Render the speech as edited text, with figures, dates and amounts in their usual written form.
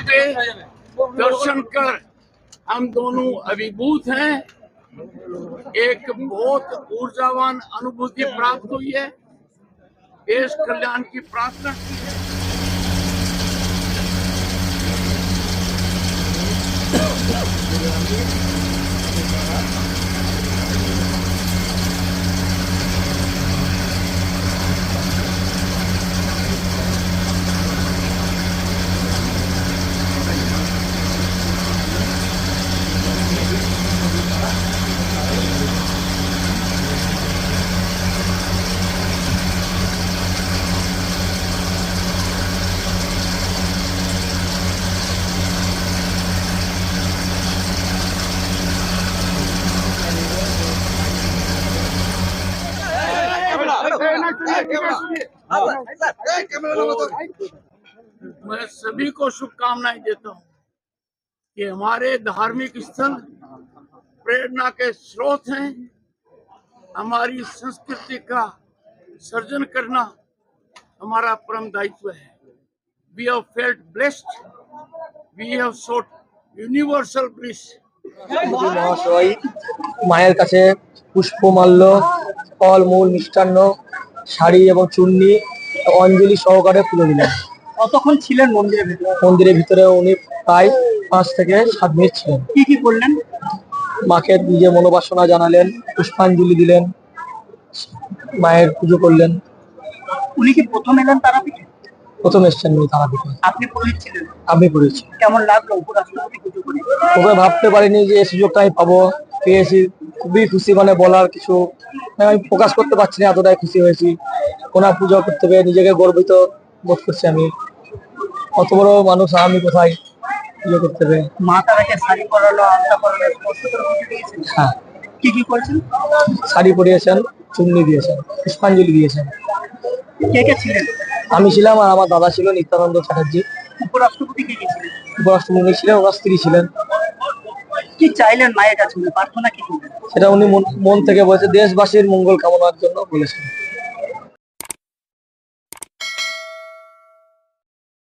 के दर्शन कर हम दोनों अभिभूत हैं। एक बहुत ऊर्जावान अनुभूति प्राप्त हुई है। देश कल्याण की प्रार्थना की है। मैं सभी को शुभकामनाएं देता हूं कि हमारे धार्मिक स्थल प्रेरणा के स्रोत हैं। हमारी संस्कृति का सर्जन करना हमारा परम दायित्व है। We have felt blessed. We have sought universal bliss. মহাশয় মায়ের কাছে পুষ্পমাল্য, ফল মূল, মিষ্টান্ন, শাড়ি এবং চূর্ণি অঞ্জলি সহকারে তুলে দিলেন। কতক্ষণ ছিলেন মন্দিরের ভিতরে? মন্দিরের ভিতরে উনি প্রায় 5 থেকে 7 মিনিট ছিলেন। কি কি করলেন? মাকে নিজের মনোবাসনা জানালেন, পুষ্পাঞ্জলি দিলেন, মায়ের পুজো করলেন। উনি কি প্রথম এলেন তারাপীঠে? প্রথম এসছেন উনি তারাপীঠে। আপনি পুরোহিত ছিলেন? আমি করেছি। কেমন লাগলো উপরাষ্ট্রপতি পুজো করে? খুবই ভাবতে পারিনি যে এই সুযোগটা আমি পাবো, পেয়েছি। খুবই খুশি, মানে বলার কিছু আমি প্রকাশ করতে পারছি না, এতটাই খুশি হয়েছি। ওনার পুজো করতে পেরে নিজেকে গর্বিত বোধ করছি আমি। অত বড় মানুষ আমি কোথায় পুজো করতে পেরে। মা তারাকে শাড়ি পরালো, আলতা পরালো, স্পর্শ করে পুজো দিয়েছেন? হ্যাঁ। কি কি করেছেন? শাড়ি পরিয়েছেন, চুন্নি দিয়েছেন, পুষ্পাঞ্জলি দিয়েছেন। কে কে ছিলেন? আমি ছিলাম আর আমার দাদা ছিল নিত্যানন্দ চ্যাটার্জি। উপরাষ্ট্রপতি কে কে ছিলেন? উপরাষ্ট্রপতি ছিলেন, ওনার স্ত্রী ছিলেন। কি চাইলেন মায়ের কাছে? প্রার্থনা কি করলেন? সেটা উনি মন থেকে বলেছে, দেশবাসীর মঙ্গল কামনার জন্য বলেছেন।